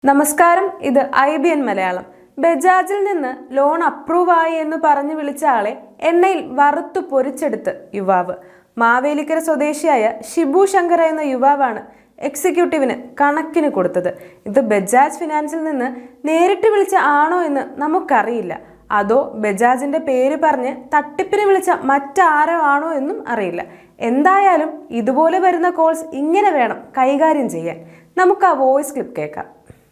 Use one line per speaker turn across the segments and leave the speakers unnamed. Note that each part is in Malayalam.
നമസ്കാരം, ഇത് IBN മലയാളം. ബജാജിൽ നിന്ന് ലോൺ അപ്രൂവ് ആയി എന്ന് പറഞ്ഞു വിളിച്ച ആളെ എണ്ണയിൽ വറുത്തു പൊരിച്ചെടുത്ത് യുവാവ്. മാവേലിക്കര സ്വദേശിയായ ഷിബു ശങ്കർ എന്ന യുവാവാണ് എക്സിക്യൂട്ടീവിന് കണക്കിന് കൊടുത്തത്. ഇത് ബജാജ് ഫിനാൻസിൽ നിന്ന് നേരിട്ട് വിളിച്ച ആണോ എന്ന് നമുക്കറിയില്ല. അതോ ബജാജിന്റെ പേര് പറഞ്ഞ് തട്ടിപ്പിന് വിളിച്ച മറ്റാരോ ആണോ എന്നും അറിയില്ല. എന്തായാലും ഇതുപോലെ വരുന്ന കോൾസ് ഇങ്ങനെ വേണം കൈകാര്യം ചെയ്യാൻ. നമുക്ക് ആ വോയിസ് ക്ലിപ്പ് കേൾക്കാം.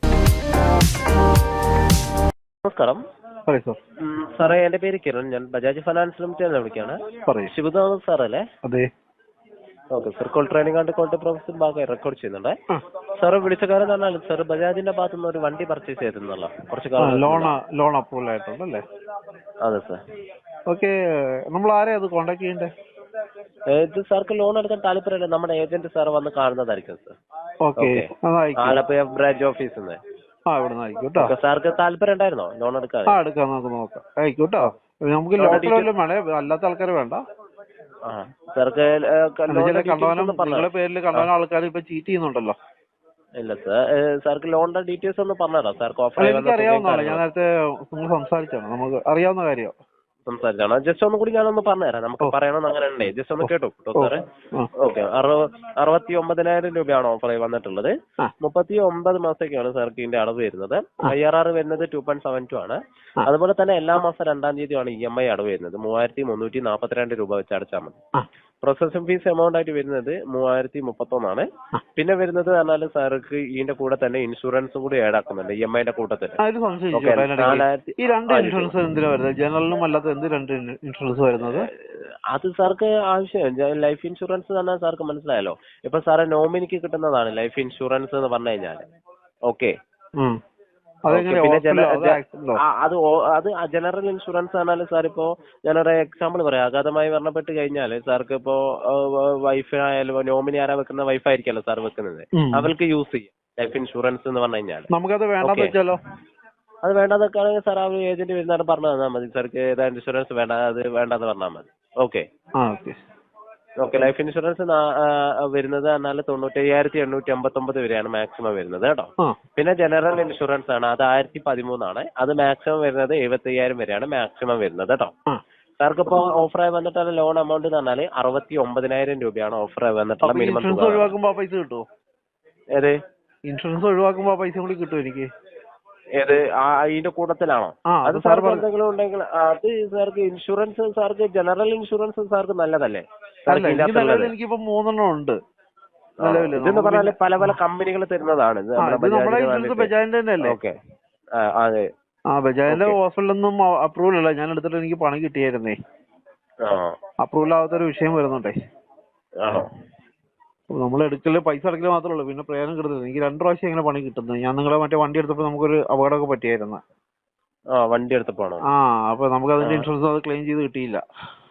നമസ്കാരം സാറേ, എന്റെ പേര് കിരൺ. ഞാൻ ബജാജ് ഫൈനാൻസ് ലിമിറ്റഡ് വിളിക്കാണ്. ശിവദാസ് സാറല്ലേ?
അതെ.
Okay sir, call training and call professor ഭാഗമായി റെക്കോർഡ് ചെയ്യുന്നുണ്ട്. സാറ് വിളിച്ച കാര്യം പറഞ്ഞാൽ സാർ ബജാജിന്റെ ഭാഗത്തു നിന്ന് ഒരു വണ്ടി പർച്ചേസ് ചെയ്തിരുന്നല്ലോ കുറച്ച് കാലം.
ലോൺ അപ്രൂവൽ ആയിട്ടുണ്ടല്ലേ?
അതെ സാർ.
ഓക്കെ, നമ്മൾ ആരെയാ അത് കോണ്ടാക്ട് ചെയ്യണ്ടേ?
ഇത് സാർക്ക് ലോൺ എടുക്കാൻ താല്പര്യമില്ല, നമ്മുടെ ഏജന്റ് സാർ വന്ന് കാണുന്നതായിരിക്കും സാർ.
ഓക്കെ,
ആലപ്പുഴ ബ്രാഞ്ച് ഓഫീസിൽ നിന്ന്. സാർക്ക് താല്പര്യം ഉണ്ടായിരുന്നോ ലോൺ എടുക്കാൻ?
എടുക്കാം, നമുക്ക് നോക്കാം. ആയിക്കോട്ടോ. നമുക്ക് ലോക്കൽ വേണം, അല്ലാത്ത ആൾക്കാർ വേണ്ട.
സാർക്ക്
നിങ്ങളുടെ പേരിൽ കണ്ടവന ആൾക്കാർ ഇപ്പൊ ചീറ്റ് ചെയ്യുന്നുണ്ടല്ലോ.
ഇല്ല സാർ, സാർക്ക് ലോണിന്റെ ഡീറ്റെയിൽസ് ഒന്ന് പറഞ്ഞുതരാം. സാർക്ക് ഓഫർ
അറിയാവുന്നതാണ്, ഞാൻ നേരത്തെ നിങ്ങൾ സംസാരിച്ചാണ്, നമുക്ക് അറിയാവുന്ന കാര്യം
സംസാരിച്ചാണ്. ജസ്റ്റ് ഒന്നും കൂടി ഞാനൊന്ന് പറഞ്ഞുതരാം, നമുക്ക് പറയണമെന്ന് അങ്ങനെ ഉണ്ടേ. ജസ്റ്റ് ഒന്ന് കേട്ടോ സാറേ. ഓക്കെ, 69,000 രൂപയാണ് ഓഫർ വന്നിട്ടുള്ളത്. 39 മാസത്തേക്കാണ് സാർക്ക് ഇതിന്റെ അടവ് വരുന്നത്. IRR വരുന്നത് 2.72 ആണ്. അതുപോലെ തന്നെ എല്ലാ മാസം 2-ാം തീയതിയാണ് EMI അടവ് വരുന്നത്. 3,342 രൂപ വെച്ച് അടച്ചാൽ മതി. പ്രോസസിംഗ് ഫീസ് എമൗണ്ട് ആയിട്ട് വരുന്നത് 3,031 ആണ്. പിന്നെ വരുന്നത് പറഞ്ഞാൽ സാർക്ക് ഇതിന്റെ കൂടെ തന്നെ ഇൻഷുറൻസും കൂടി ആഡ് ആക്കുന്നുണ്ട് EMIന്റെ കൂട്ടത്തിൽ. അത് സാർക്ക് ആവശ്യം ലൈഫ് ഇൻഷുറൻസ് തന്നെ സാർക്ക് മനസ്സിലായല്ലോ. ഇപ്പൊ സാറെ നോമിനിക്ക് കിട്ടുന്നതാണ് ലൈഫ് ഇൻഷുറൻസ് എന്ന് പറഞ്ഞു കഴിഞ്ഞാൽ. ഓക്കെ, പിന്നെ അത് ജനറൽ ഇൻഷുറൻസ് പറഞ്ഞാൽ സാർ ഇപ്പോ ഞാനൊരു എക്സാമ്പിൾ പറയാം. അഗാധമായി മരണപ്പെട്ട് കഴിഞ്ഞാൽ സാർക്ക് ഇപ്പോ വൈഫായാലും നോമിനി ആരാ വെക്കുന്ന വൈഫായിരിക്കല്ലോ സാർ വെക്കുന്നത്, അവർക്ക് യൂസ് ചെയ്യാം ലൈഫ് ഇൻഷുറൻസ് എന്ന് പറഞ്ഞു കഴിഞ്ഞാൽ. അത് വേണ്ടാന്നൊക്കെ ആണെങ്കിൽ സാർ ആ ഏജന്റ് വരുന്നതാണ് പറഞ്ഞു തന്നാൽ മതി. സാർക്ക് ഏതാ ഇൻഷുറൻസ് വേണ്ട, അത് വേണ്ടെന്ന് പറഞ്ഞാൽ മതി. Okay okay. ലൈഫ് ഇൻഷുറൻസ് വരുന്നത് എന്നാൽ 95,859 വരെയാണ് മാക്സിമം വരുന്നത് കേട്ടോ. പിന്നെ ജനറൽ ഇൻഷുറൻസ് ആണ്, അത് 1013 ആണ്. അത് മാക്സിമം വരുന്നത് 75,000 വരെയാണ് മാക്സിമം വരുന്നത് കേട്ടോ. സാർക്ക് ഇപ്പൊ ഓഫറായി വന്നിട്ടുള്ള ലോൺ എമൗണ്ട് എന്ന് പറഞ്ഞാൽ 69,000 രൂപയാണ് ഓഫറായി വന്നിട്ടുള്ള മിനിമം. ഏത്
ഇൻഷുറൻസ് ഒഴിവാക്കുമ്പോ പൈസ കൂടി കിട്ടും എനിക്ക്?
ഏത് അതിന്റെ കൂട്ടത്തിലാണോ? അത് സാർക്ക് എന്തെങ്കിലും ഉണ്ടെങ്കിൽ അത് സാർക്ക് ഇൻഷുറൻസ്, സാർക്ക് ജനറൽ ഇൻഷുറൻസ് സാർക്ക് നല്ലതല്ലേ?
എനിക്കിപ്പോ 3 ഉണ്ട്.
ഇതെന്ന് പറഞ്ഞാല് പല പല കമ്പനികൾ തരുന്നതാണ്.
ബജാജിന്റെ തന്നെ അല്ലേ?
ഓക്കെ, അതെ.
ബജാജിന്റെ ഹോസ്പിറ്റലൊന്നും അപ്രൂവൽ അല്ല, ഞാൻ എടുത്തിട്ട് എനിക്ക് പണം കിട്ടിയായിരുന്നേ. അപ്രൂവൽ ആവാത്തൊരു വിഷയം വരുന്നുണ്ടേ. നമ്മൾ എടുക്കല് പൈസ അടക്കല് മാത്രമേ ഉള്ളൂ, പിന്നെ പ്രയോജനം കിട്ടുന്നത്. എനിക്ക് 2 പ്രാവശ്യം ഇങ്ങനെ പണി കിട്ടുന്നത്. ഞാൻ നിങ്ങളെ മറ്റേ വണ്ടി എടുത്തപ്പോ നമുക്കൊരു അപകടമൊക്കെ പറ്റിയായിരുന്നു.
വണ്ടി എടുത്തപ്പോ
അപ്പൊ നമുക്ക് അതിന്റെ ഇൻഷുറൻസ് അത് ക്ലെയിം ചെയ്ത് കിട്ടിയില്ല.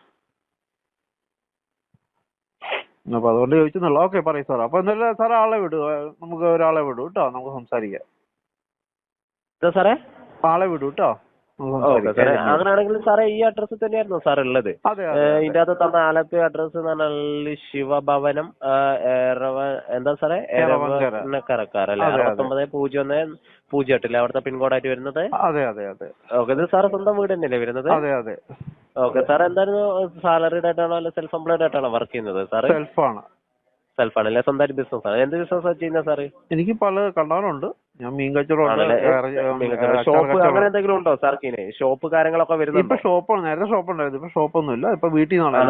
അപ്പൊ അതുകൊണ്ട് ചോദിച്ചെന്നുള്ളൂ. ഓക്കെ, പറയൂ സാർ. അപ്പൊ എന്തായാലും സാർ ആളെ വിടൂ, നമുക്ക് ഒരാളെ വിടൂ കേട്ടോ, നമുക്ക് സംസാരിക്കാം.
സാറേ
ആളെ വിടൂ കേട്ടോ.
അങ്ങനെയാണെങ്കിൽ സാറേ ഈ അഡ്രസ് തന്നെയായിരുന്നു സാർ ഉള്ളത്? ഇതിന്റെ അകത്ത് തന്ന ആലപ്പുഴ അഡ്രസ് എന്ന് പറഞ്ഞാൽ ശിവഭവനം, എന്താ സാറേ, കരക്കാരല്ലേ? 690108 അവിടുത്തെ പിൻകോഡായിട്ട് വരുന്നത്. ഓക്കെ, ഇത് സാറ് സ്വന്തം വീട് തന്നെയല്ലേ വരുന്നത്? ഓക്കെ സാർ, എന്തായിരുന്നു സാലറിഡ് ആയിട്ടാണോ അല്ലെ സെൽഫ് എംപ്ലോയിഡ് ആയിട്ടാണോ വർക്ക് ചെയ്യുന്നത് സാറ്? സെൽഫാണല്ലേ, സ്വന്തമായിട്ട് ബിസിനസ് ആണ്. എന്ത് ബിസിനസ് ചെയ്യുന്നത് സാറ്?
എനിക്ക് പല കണ്ടാലുണ്ട്. ഞാൻ മീൻ കച്ചവടം,
ഷോപ്പ് അങ്ങനെ എന്തെങ്കിലും ഉണ്ടോ സാർക്ക്? ഷോപ്പ് കാര്യങ്ങളൊക്കെ വരുന്നത്?
ഇപ്പൊ ഷോപ്പാണ്, നേരത്തെ ഷോപ്പ് ഉണ്ടായിരുന്നു, ഇപ്പൊ ഷോപ്പൊന്നും ഇല്ല. ഇപ്പൊ വീട്ടിൽ നിന്നാണ്.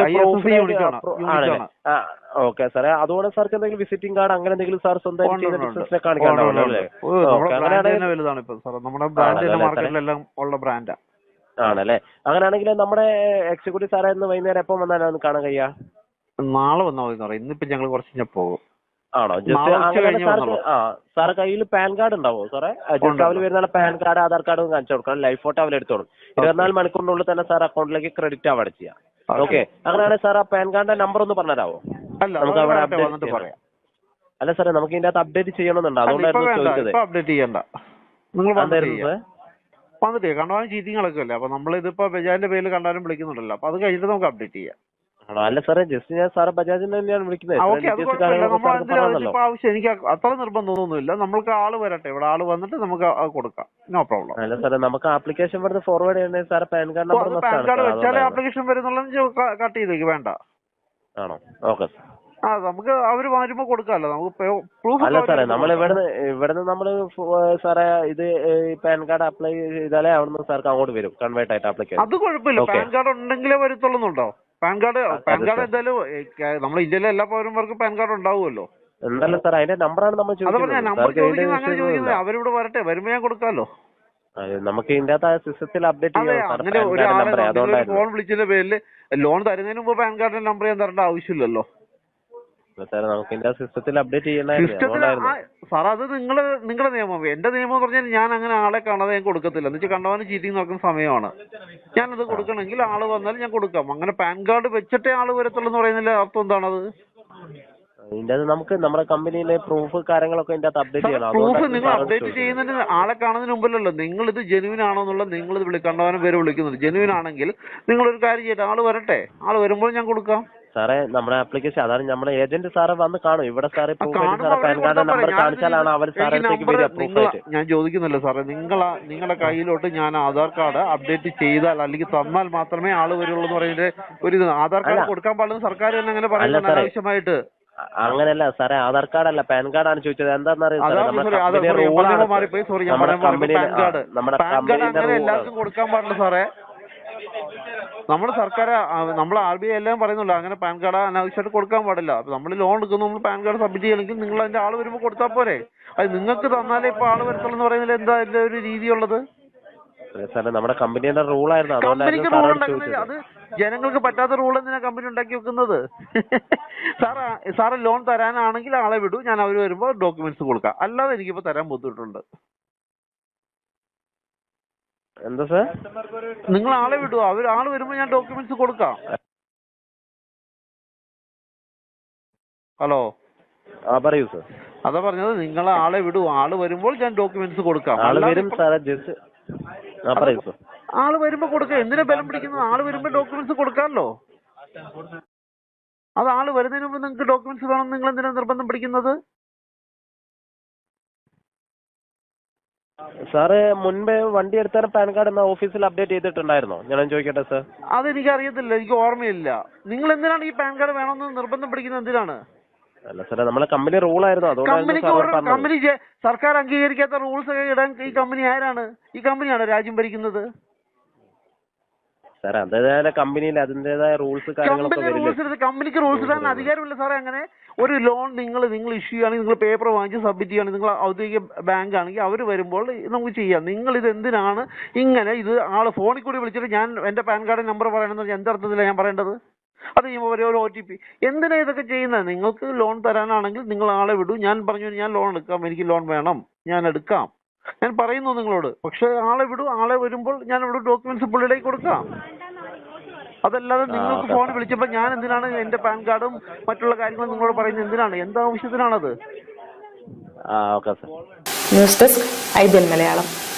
ഓക്കെ സാറേ, അതുകൊണ്ട് സാർക്ക് എന്തെങ്കിലും വിസിറ്റിംഗ് കാർഡ് അങ്ങനെ എന്തെങ്കിലും സാർ സ്വന്തമായിട്ട് ബിസിനസിനെ കാണിക്കാനുണ്ടോ?
വലുതാണ് ഇപ്പൊ സാർ, നമ്മുടെ ബ്രാൻഡ് മാർക്കറ്റിലെല്ലാം ഉള്ള ബ്രാൻഡാ.
ആണല്ലേ? അങ്ങനെയാണെങ്കിൽ നമ്മുടെ എക്സിക്യൂട്ടീവ് സാറേ ഇന്ന് വൈകുന്നേരം എപ്പം വന്നാലും ഒന്ന് കാണാൻ കഴിയാ?
നാളെ വന്നാൽ മതി പറയാം. ഇന്നിപ്പോ ഞങ്ങൾ കുറച്ച് കഴിഞ്ഞാൽ പോകും.
ആണോ? സാറ് കയ്യിൽ പാൻ കാർഡ് ഉണ്ടാവോ സാറേ? അവര് വരുന്ന പാൻ കാർഡ്, ആധാർ കാർഡ് കാണിച്ചു കൊടുക്കണം. ലൈഫ് ഫോട്ടോ അവര് എടുത്തോളും. 24 മണിക്കൂറിനുള്ളിൽ തന്നെ സാർ അക്കൗണ്ടിലേക്ക് ക്രെഡിറ്റ് ആവാൻ ചെയ്യാം. ഓക്കെ, അങ്ങനെയാണെങ്കിൽ സാർ ആ പാൻ കാർഡിന്റെ നമ്പർ ഒന്ന് പറഞ്ഞുതരാവോ? നമുക്ക് അവിടെ അപ്ഡേറ്റ് പറയാം. അല്ല സാറേ, നമുക്ക് ഇതിന്റെ അകത്ത് അപ്ഡേറ്റ് ചെയ്യണമെന്നുണ്ട്, അതുകൊണ്ടായിരുന്നു ചോദിച്ചത്.
അപ്ഡേറ്റ് ചെയ്യണ്ട, നിങ്ങൾ വന്നിട്ട് കണ്ടാലും ചീറ്റിങ്ങളൊക്കെ അല്ലേ. അപ്പൊ നമ്മൾ ഇതിപ്പോ ബജാജിന്റെ പേരിൽ കണ്ടാലും വിളിക്കുന്നുണ്ടല്ലോ, അപ്പൊ അത് കഴിഞ്ഞിട്ട് നമുക്ക് അപ്ഡേറ്റ് ചെയ്യാം.
ആണോ? അല്ല സാറേ, ജസ്റ്റ് ഞാൻ സാറെ ബജാജിന് തന്നെയാണ് വിളിക്കുന്നത്.
ഓക്കെ, അത് കുഴപ്പമില്ല. നമ്മൾ ആവശ്യം എനിക്ക് അത്ര നിർബന്ധമൊന്നുമില്ല. നമ്മൾക്ക് ആള് വരട്ടെ, ഇവിടെ ആള് വന്നിട്ട് നമുക്ക് കൊടുക്കാം. No problem.
അല്ല സാറേ, നമുക്ക് ആപ്ലിക്കേഷൻ വരുന്ന ഫോർവേഡ് ചെയ്യണേ സാറെ PAN card number
PAN card വെച്ചാലേ ആപ്ലിക്കേഷൻ വരുന്നുള്ളത് കട്ട് ചെയ്തേക്ക് വേണ്ട.
ആണോ? ഓക്കെ.
നമുക്ക് അവര് വരുമ്പോ കൊടുക്കാമല്ലോ, നമുക്ക് പ്രൂഫ്.
അല്ല സാറേ, നമ്മൾ ഇവിടുന്ന് നമ്മള് സാറേ ഇത് പാൻ കാർഡ് അപ്ലൈ ചെയ്താലേ അവിടുന്ന് സാർക്ക് അങ്ങോട്ട് വരും കൺവേർട്ട് ആയിട്ട് ആപ്ലിക്കേഷൻ.
അത് കുഴപ്പമില്ല. പാൻ കാർഡ് ഉണ്ടെങ്കിലേ വരത്തുള്ളുന്നുണ്ടോ? പാൻ കാർഡ് എന്തായാലും നമ്മുടെ ഇന്ത്യയിലെ എല്ലാ പൗരന്മാർക്കും പാൻ കാർഡ് ഉണ്ടാവുമല്ലോ.
എന്തല്ല സാർ, അതിന്റെ നമ്പറാണ് നമ്മൾ ചോദിക്കുന്നത്.
നമ്പർ ചോദിക്കുന്നത് അങ്ങനെ ചോദിക്കുന്നത്. അവരിവിടെ വരട്ടെ, വരുമ്പോ ഞാൻ കൊടുക്കാമല്ലോ.
നമുക്ക് ഇതിന്റെ അകത്ത് സിസ്റ്റത്തിൽ അപ്ഡേറ്റ് ചെയ്യാം.
അങ്ങനെ ഒരാളെ ഫോൺ വിളിച്ചതിന്റെ പേരിൽ ലോൺ തരുന്നതിന് മുമ്പ് പാൻ കാർഡിന്റെ നമ്പർ ഞാൻ തരേണ്ട ആവശ്യമില്ലല്ലോ.
നമുക്ക് ഇതിന്റെ സിസ്റ്റത്തിൽ അപ്ഡേറ്റ് ചെയ്യണമായിരുന്നു
സാർ. അത് നിങ്ങളുടെ നിയമം. എന്റെ നിയമം എന്ന് പറഞ്ഞാൽ ഞാൻ അങ്ങനെ ആളെ കാണാതെ ഞാൻ കൊടുക്കത്തില്ല. എന്ന് വെച്ചാൽ കണ്ടവന് ചീറ്റിംഗ് നോക്കുന്ന സമയമാണ്. ഞാനത് കൊടുക്കണമെങ്കിൽ ആള് വന്നാൽ ഞാൻ കൊടുക്കാം. അങ്ങനെ പാൻ കാർഡ് വെച്ചിട്ടേ ആള് വരത്തുള്ളൂ എന്ന് പറയുന്നതിന്റെ അർത്ഥം എന്താണത്?
ഇതിന്റെ നമുക്ക് നമ്മുടെ കമ്പനിയിലെ പ്രൂഫ് കാര്യങ്ങളൊക്കെ ഇതിന്റെ അകത്ത് അപ്ഡേറ്റ് ചെയ്യണം.
പ്രൂഫ് നിങ്ങൾ അപ്ഡേറ്റ് ചെയ്യുന്നതിന് ആളെ കാണുന്നതിന് മുമ്പല്ലല്ലോ. നിങ്ങൾ ഇത് ജെനുവിൻ ആണോ എന്നുള്ളത് നിങ്ങൾ ഇത് കണ്ടവനും പേര് വിളിക്കുന്നുണ്ട്. ജെനുവിൻ ആണെങ്കിൽ നിങ്ങളൊരു കാര്യം ചെയ്യട്ടെ, ആള് വരട്ടെ. ആള് വരുമ്പോൾ ഞാൻ കൊടുക്കാം. സാറേ, നമ്മുടെ ആപ്ലിക്കേഷൻ അതാണ് നമ്മുടെ ഏജന്റ് സാറ് വന്ന് കാണും. ഇവിടെ സാറ് പാൻ കാർഡ് നമ്പർ കാണിച്ചാലാണ് അവർ സാറിലേക്ക് വരിക പ്രൂഫായിട്ട്. ഞാൻ ചോദിക്കുന്നില്ല സാറേ, നിങ്ങളുടെ കയ്യിലോട്ട് ഞാൻ ആധാർ കാർഡ് അപ്ഡേറ്റ് ചെയ്താൽ അല്ലെങ്കിൽ തന്നാൽ മാത്രമേ ആള് വരുള്ളൂ എന്ന് പറയുന്നത് ഒരു ഇത്. ആധാർ കാർഡ് കൊടുക്കാൻ പാടില്ല സർക്കാർ തന്നെ അങ്ങനെ പറയുന്നത് അനാവശ്യമായിട്ട്.
അങ്ങനെയല്ല സാറേ, ആധാർ കാർഡ് അല്ല പാൻ കാർഡാണ് ചോദിച്ചത്. എന്താണെന്നറിയാം,
എല്ലാവർക്കും കൊടുക്കാൻ പാടില്ല സാറേ. നമ്മുടെ സർക്കാർ, നമ്മൾ RBI എല്ലാം പറയുന്നുള്ളൂ അങ്ങനെ പാൻ കാർഡ് അനാവശ്യമായിട്ട് കൊടുക്കാൻ പാടില്ല. നമ്മൾ ലോൺ എടുക്കുന്നു, നമ്മൾ പാൻ കാർഡ് സബ്മിറ്റ് ചെയ്യണമെങ്കിൽ നിങ്ങൾ അതിന്റെ ആള് വരുമ്പോൾ കൊടുത്താൽ പോരെ. അത് നിങ്ങൾക്ക് തന്നാലേ ഇപ്പൊ ആള് വരത്തുള്ളൂ എന്ന് പറയുന്നതിൽ എന്താ അതിന്റെ ഒരു രീതിയുള്ളത്?
നമ്മുടെ കമ്പനിയുടെ റൂളായിരുന്നു.
കമ്പനിക്ക് റൂൾ ഉണ്ടാക്കുന്നത് അത് ജനങ്ങൾക്ക് പറ്റാത്ത റൂൾ എന്തിനാ കമ്പനി ഉണ്ടാക്കി വെക്കുന്നത്? സാറ് ലോൺ തരാനാണെങ്കിൽ ആളെ വിടൂ, ഞാൻ അവർ വരുമ്പോൾ ഡോക്യുമെന്റ്സ് കൊടുക്കാം. അല്ലാതെ എനിക്കിപ്പോ തരാൻ ബുദ്ധിമുട്ടുണ്ട്.
എന്താ സാർ?
നിങ്ങൾ ആളെ വിടൂ, ആള് വരുമ്പോൾ ഞാൻ ഡോക്യുമെന്റ്സ് കൊടുക്കാം. ഹലോ,
പറയൂ സാർ.
അതാ പറഞ്ഞത്, നിങ്ങൾ ആളെ വിടൂ, ആള് വരുമ്പോൾ ഞാൻ ഡോക്യുമെന്റ്സ് കൊടുക്കാം. ആള് വരുമ്പോ കൊടുക്കാം. എന്തിനാ ബലം പിടിക്കുന്നത്? ആള് വരുമ്പോ ഡോക്യുമെന്റ്സ് കൊടുക്കാമല്ലോ. അത് ആള് വരുന്നതിന് മുമ്പ് നിങ്ങൾക്ക് ഡോക്യുമെന്റ്സ് വേണം, നിങ്ങൾ എന്തിനാ നിർബന്ധം പിടിക്കുന്നത്?
സാറ് മുൻപേ വണ്ടി എടുത്താൽ പാൻ കാർഡ് എന്ന ഓഫീസിൽ അപ്ഡേറ്റ് ചെയ്തിട്ടുണ്ടായിരുന്നോ? ഞാൻ ചോദിക്കട്ടെ സാർ.
അതെനിക്ക് അറിയത്തില്ല, എനിക്ക് ഓർമ്മയില്ല. നിങ്ങൾ എന്തിനാണ് ഈ പാൻ കാർഡ് വേണമെന്ന് നിർബന്ധം പിടിക്കുന്നത്? എന്തിനാണ്?
അല്ല സാറേ, നമ്മളെ കമ്പനി റൂളായിരുന്നു.
കമ്പനി സർക്കാർ അംഗീകരിക്കാത്ത റൂൾസ് ഒക്കെ ഇടാൻ ഈ കമ്പനി ആരാണ്? ഈ കമ്പനിയാണോ രാജ്യം ഭരിക്കുന്നത്?
സാറേ, അതേതായ കമ്പനിയിൽ അതിന്റേതായ റൂൾസ്
കമ്പനിക്ക് റൂൾസ് ഇടാൻ അധികാരമില്ല സാറേ. അങ്ങനെ ഒരു ലോൺ നിങ്ങൾ ഇഷ്യൂ ചെയ്യുകയാണെങ്കിൽ, നിങ്ങൾ പേപ്പർ വാങ്ങിച്ച് സബ്മിറ്റ് ചെയ്യുകയാണെങ്കിൽ, നിങ്ങൾ ഔദ്യോഗിക ബാങ്ക് ആണെങ്കിൽ അവർ വരുമ്പോൾ നമുക്ക് ചെയ്യാം. നിങ്ങൾ ഇത് എന്തിനാണ് ഇങ്ങനെ ഇത് ആള് ഫോണിൽ കൂടി വിളിച്ചിട്ട് ഞാൻ എന്റെ പാൻ കാർഡ് നമ്പർ പറയണമെന്ന് എന്തർത്ഥത്തിലാണ് ഞാൻ പറയേണ്ടത്? അത് ഒരു OTP എന്തിനാ ഇതൊക്കെ ചെയ്യുന്നത്? നിങ്ങൾക്ക് ലോൺ തരാനാണെങ്കിൽ നിങ്ങൾ ആളെ വിടൂ, ഞാൻ പറഞ്ഞു ഞാൻ ലോൺ എടുക്കാം, എനിക്ക് ലോൺ വേണം, ഞാൻ എടുക്കാം, ഞാൻ പറയുന്നു നിങ്ങളോട്. പക്ഷെ ആളെ വിടൂ, ആളെ വരുമ്പോൾ ഞാൻ ഇവിടെ ഡോക്യുമെന്റ്സ് പുള്ളിയിലേക്ക് കൊടുക്കാം. അതല്ലാതെ നിങ്ങൾക്ക് ഫോൺ വിളിച്ചപ്പോൾ ഞാൻ എന്തിനാണ് എന്റെ പാൻ കാർഡും മറ്റുള്ള കാര്യങ്ങളും നിങ്ങളോട് പറയുന്നത്? എന്തിനാണ്? എന്താവശ്യത്തിനാണത്?
News desk IBN Malayalam.